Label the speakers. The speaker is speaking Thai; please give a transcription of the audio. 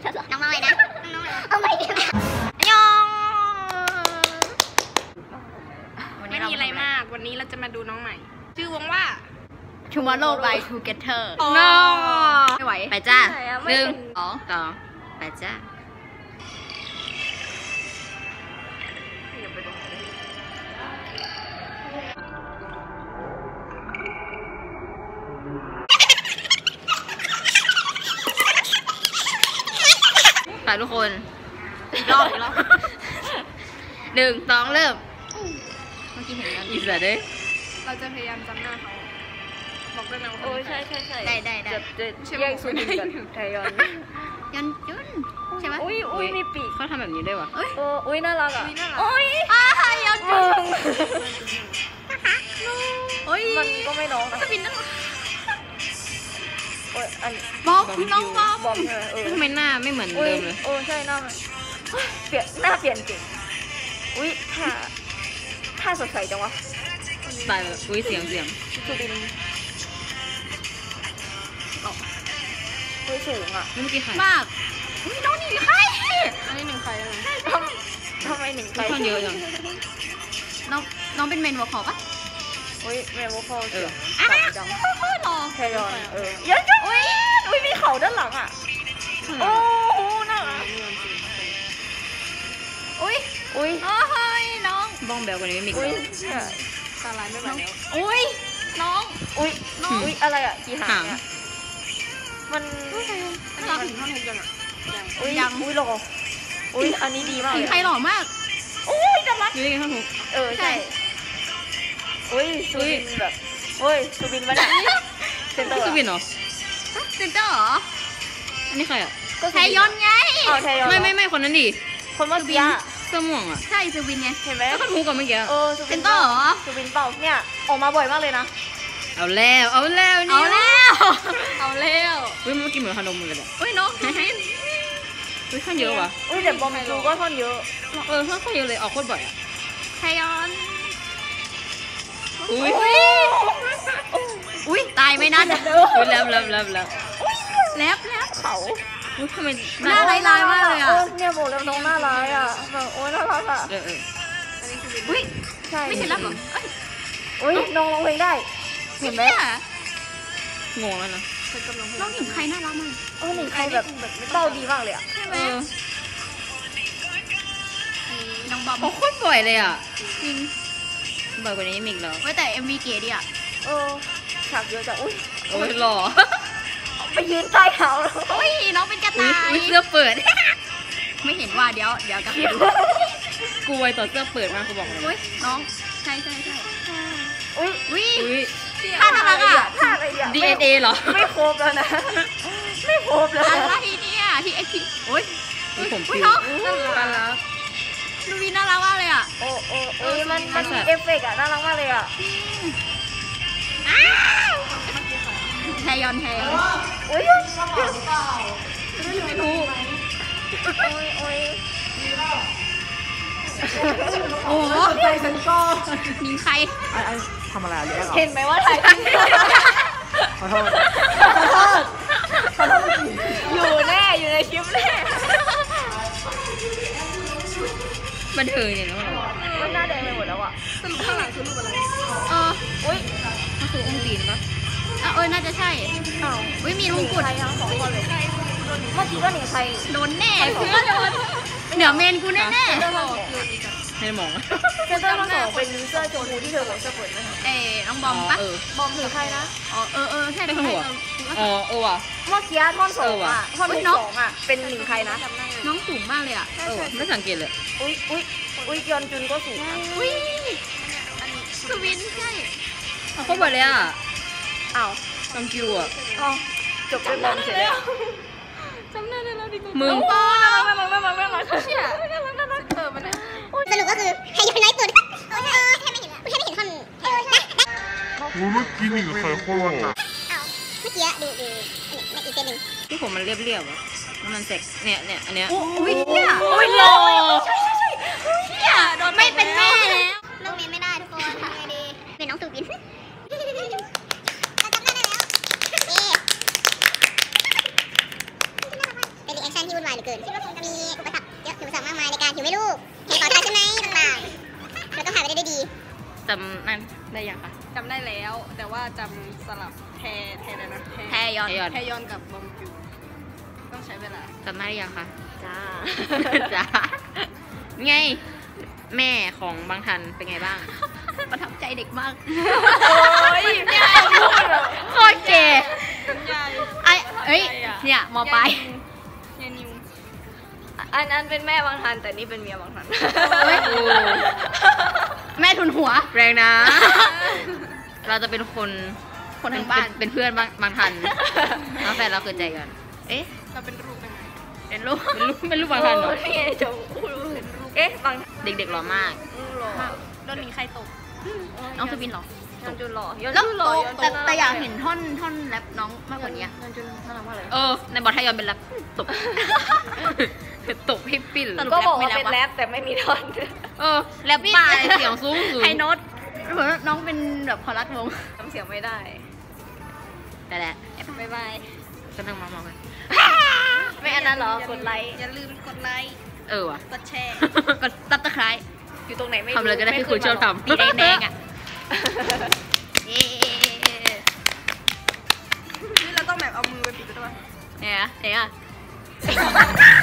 Speaker 1: น้องมาใหม่นะเอาใหม่ดิยองไม่มีอะไรมากวันนี้เราจะมาดูน้องใหม่ชื่อวงว่า Tomorrow by Together น้อไม่ไหวไปจ้า1 2 ไปจ้าไปทุกคนอีกรอบ1 2 เริ่มเมื่อกี้เห็นกันอีสานเด้เราจะพยายามจำหน้าเขาบอกได้ไหมว่าโอ้ยใช่ได้จะแยกสุดกันไทยอนยุนใช่ไหมอุ้ยมีปีกเขาทำแบบนี้ได้วะอุ้ยน่ารักอ่ะอุ้ยยอนจุนมันก็ไม่น้องนะสปินนั่นบอกน้องบอกทำไมหน้าไม่เหมือนเดิมเลยโอ้ใช่หน้าเปลี่ยนหน้าเปลี่ยนจริงอุ้ยถ้าสดใสจังวะตายเลยอุ้ยเสียงสุบินอุ้ยสูงอ่ะเมื่อกี้ใครมากอุ้ยน้องนี่ใครอันนี้1 ใครเลยทำไม1 ใครเยอะจังน้องเป็นเมนวอลคอลปะอุ้ยเมนวอลคอลต่ำจังหล่อแคยอนเยอะจังอุ้ยมีเข่าด้านหลังอ่ะโอ้โหน่ารักอุ้ยน้องบ้องแบลกว่านี้ไม่มีอุ้ยตาลายไม่ไหวแล้วอุ้ยน้องอุ้ยอะไรอ่ะกี่หางมันยังถึงท่อนฮุกยังอ่ะยังอุ้ยหล่ออุ้ยอันนี้ดีมากใครหล่อมากอุ้ยจะรักอยู่ยังไงท่อนฮุกใช่อุ้ยซูบินแบบซูบินมาเนี่ยเซนเตอร์ซูบินเหรอเซนเตอร์เหรออันนี้ใครอ่ะไทยอนไงไม่คนนั้นดิคนเมื่อกี้เสื้อม่วงอ่ะใช่ซูบินไงเห็นไหมก็ท่อนฮุกกับเมื่อกี้เซนเตอร์เหรอซูบินเปล่าเนี่ยออกมาบ่อยมากเลยนะเอาแล้วนี่เอาแล้วอุ้ยเมื่อกี้เหมือนขนมเลยแบบอุ้ยน้องอุ้ยท่อนเยอะว่ะอุ้ยแต่บอมจูก็ท่อนเยอะท่อนเยอะเลยออกโคตรบ่อยอ่ะไทยอนอุ้ยตายไหมนั่นอุ้ยแล้วเขาอุ้ยทำไมหน้าลายมากเลยอ่ะเนี่ยบอกแล้วน้องหน้าลายอ่ะแบบโอ้ยน่ารักอ่ะอุ้ยใช่ไม่ใช่รับหรออุ้ยน้องร้องเพลงได้เห็นไหมงงแล้วนะน้องหญิงใครน่ารักมากหญิงใครแบบเต้าดีมากเลยอ่ะใช่ไหมน้องบอมโคตรสวยเลยอ่ะจริงบ่อยกว่านี้มิกแล้วแต่ MV เก๋ดิอ่ะฉากเยอะจังอุ้ยหล่อไปยืนใต้เท้าแล้วอุ้ยน้องเป็นกระต่ายเสื้อเปิดไม่เห็นว่าเดี๋ยวกับดูกูไวต่อเสื้อเปิดมากกูบอกเลยน้องใช่อุ้ยท่าน่ารักอ่ะท่าอะไรอ่ะ DNA เหรอไม่ครบแล้วนะไม่ครบแล้วอะไรเนี่ยที่อุ้ยผมน้องน่ารักดูวีน่ารักมากเลยอ่ะโอ้มันมีเอฟเฟกต์อ่ะน่ารักมากเลยอ่ะแทยอนอุ้ยไม่รู้โอ้โหใจฉันก็ยิงใครทำอะไรเห็นไหมว่าถ่ายขอโทษอยู่ในคลิปแน่บันเทิงเนี่ยนะมันหน้าแดงไปหมดแล้วอ่ะสรุปข้างหลังคือรูปอะไรอุ้ยมันคือองค์จีนปะน่าจะใช่อุ้ยมีมงกุฎทั้ง2 คนเลยเมื่อกี้ก็หนิงไทยโดนแน่เดี๋ยวเมนกูแน่ให้มองเซนเตอร์ทั้ง2เป็นเสื้อโจมูที่เธอบอกเสื้อเปิดไหมน้องบอมปะบอมถือใครนะใช่หัวว่ะเมื่อกี้ท่อน2อ่ะท่อน2อ่ะเป็นหนิงใครนะน้องสูงมากเลยอ่ะไม่สังเกตเลยอุ้ยยอนจุนก็สูงอุ้ยสวินใช่เขาบอกเลยอ่ะจำคิวอ่ะจบด้วยบอมเสร็จแล้วจำได้แล้วดิมึงน่ารักเชี่ยน่ารักมันสรุปก็คือให้ย้อนน้อยสุดแค่ไม่เห็นท่อนนะเมื่อกี้นี่กับใครโคตรหล่อเมื่อกี้ดูอีกเส้นหนึ่งที่ผมมันเรียบๆอ่ะมันเซ็กเนี่ยอันเนี้ยอุ้ยเนี่ยอุ้ยหล่อใช่เนี่ยโดนไม่เป็นแม่แล้วเรื่องนี้ไม่ได้ทุกคนทำไงดีเป็นน้องตูบินเป็นรีแอคชั่นที่วุ่นวาย
Speaker 2: เหลือเกินคิดว่าคงจะมีอุปสรรคเยอะอุปสรรคมากมายในการถือไม่ลูกเห็นขอทานใช่ไหมต่างๆเราต้องผ่านไปได้ด้วยดี
Speaker 1: จำนั่นได้ยังคะ
Speaker 3: จำได้แล้วแต่ว่าจำสลับแทอะไรนะ
Speaker 1: แทยอน
Speaker 3: แทยอนกับบอมบิวต้องใช้เวลา
Speaker 1: จำได้ยังคะ
Speaker 3: จ้า
Speaker 1: จ้าไงแม่ของบางทันเป็นไงบ้าง ประทับใจเด็กมาก
Speaker 3: โอ้ยยายพูดเหรอ
Speaker 1: โคตรเก๋
Speaker 3: ยาย
Speaker 1: เอ้ยเนี่ยมอปลาย
Speaker 3: ยายนิวอันนั้นเป็นแม่บางทันแต่นี่เป็นเมียบางทัน
Speaker 1: เฮ้ยแม่ทุนหัวแรงนะ เราจะเป็นคนทางบ้านเป็นเพื่อนบางทันแล้วแฟนเราเกิดใจกันเอ๊ะ
Speaker 3: เราเป็นลูกยังไง
Speaker 1: เป็นลูกบางทันเหรอ
Speaker 3: นี่ไงจะพูดเป็นลูกเอ๊ะบาง
Speaker 1: เด็กๆหล่อมาก
Speaker 3: หล่อโดนหนีใครตก
Speaker 1: น้องสุบินหรอ
Speaker 3: ยอนจุนหล่อยอน
Speaker 1: แล้ว
Speaker 3: จุนหล่อ
Speaker 1: แต่อยากเห็นท่อนแรปน้องมากกว่านี้
Speaker 3: ยอนจุนน่ารักมากเลย
Speaker 1: ในบอลไทยยอนเป็นแรปตบ ตบให้ปิ้น
Speaker 3: ก็บอกว่าเป็นแรปแต่ไม่มีท่อน
Speaker 1: แรปป้าเสียงสูง
Speaker 3: ไฮโน้ต
Speaker 1: เหมือนน้องเป็นแบบคอรัสวง
Speaker 3: ทำเสียงไม่ได้
Speaker 1: แต่แหละ
Speaker 3: บ๊ายบาย
Speaker 1: ก็นั่งมองกัน
Speaker 3: ไม่อันนั้นเหรอกดไลค์อย่าลืมกดไลค์
Speaker 1: ว่ะ
Speaker 3: กดแชร์
Speaker 1: ก็ตับตะไคร้
Speaker 3: อยู่ตรงไหนไม่รู้
Speaker 1: ทำเลยก็ได้ที่คุณชอบทำ
Speaker 3: ตีแดงๆอ่ะนี่เราต้องแบบเอามือไปปิดด้วยป่ะ
Speaker 1: เนี่ย